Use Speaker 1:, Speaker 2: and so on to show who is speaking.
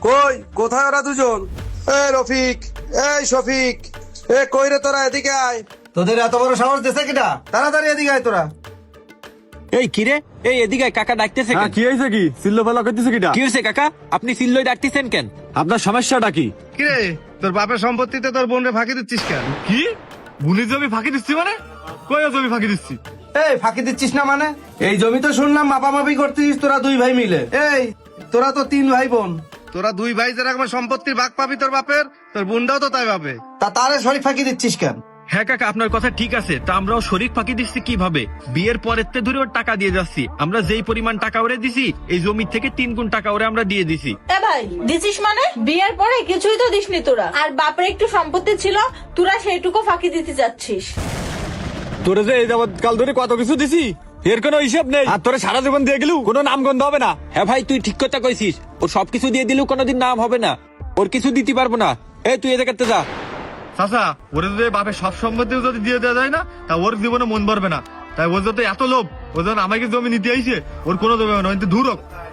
Speaker 1: কই কোথায় ওরা দুজন? রফিক, এই শফিক, কই রে তোরা? এদিকে আয়।
Speaker 2: তোদের এত বড় সাহস দিছে কিটা? তাড়াতাড়ি এদিকে আয় তোরা।
Speaker 3: এই কিরে, এই এদিকে আয়, কাকা ডাকতেছে কেন?
Speaker 4: কি হয়েছে? কি সিল্লো ফেলা করতেছে কিটা?
Speaker 3: কি হয়েছে কাকা? আপনি সিল্লই ডাকতেছেন কেন?
Speaker 4: আপনার সমস্যাটা কি?
Speaker 5: কিরে, তোর বাপের সম্পত্তিতে তোর বোনরে ফাঁকি দিচ্ছিস কেন?
Speaker 4: কি বুনির জমি ফাঁকি দিচ্ছি মানে? কই জমি ফাঁকি দিচ্ছি?
Speaker 2: এই ফাঁকি দিচ্ছিস না মানে? এই জমি তো শুনলাম মাপামাপি করতেছিস তোরা দুই ভাই মিলে। এই তোরা তো তিন ভাই বোন,
Speaker 5: তোরা দুই ভাই যেরকম সম্পত্তির ভাগ পাবি তোর বাপের, তোর বোনটাও তো তাই পাবে।
Speaker 2: তা তারে শরীর ফাঁকি দিচ্ছিস কেন?
Speaker 6: হ্যাঁ কাকা, আপনার কথা ঠিক আছে। তা আমরাও শরীক ফাঁকি দিচ্ছি কিভাবে? বিয়ের পরের তে ধরে ওর টাকা দিয়ে যাচ্ছি। আমরা যেই পরিমাণ টাকা ওরে দিছি, এই জমি থেকে 3 গুণ টাকা ওরে আমরা দিয়ে দিছি।
Speaker 7: এ ভাই, দিছিস মানে? বিয়ের পরে কিছুই তো দিসনি তোরা, আর বাপের একটু সম্পত্তি ছিল, তোরা সেইটুকু ফাঁকি দিতে যাচ্ছিস।
Speaker 4: তোরে যে এই যাবৎ কাল ধরে কত কিছু দিছি, এর কোনো হিসাব নেই। আর তোরে সারা জীবন দিয়ে গেলু, কোনো নাম গন্ধ হবে না।
Speaker 3: হ্যাঁ ভাই, তুই ঠিক কথা কইছিস। ওর সবকিছু দিয়ে দিলেও কোনোদিন নাম হবে না, ওর কিছু দিতে পারবো না। এই তুই এদিকে যা।
Speaker 4: চাচা, ওরে যদি বাপের সব সম্পত্তি যদি দিয়ে দেওয়া যায় না, তা ওর জীবনে মন ভরবে না। তাই ওর যত এত লোভ, ও যখন আমাকে জমি নিতে আইছে, ওর কোনো জমি হবে না, কিন্তু ধুরক।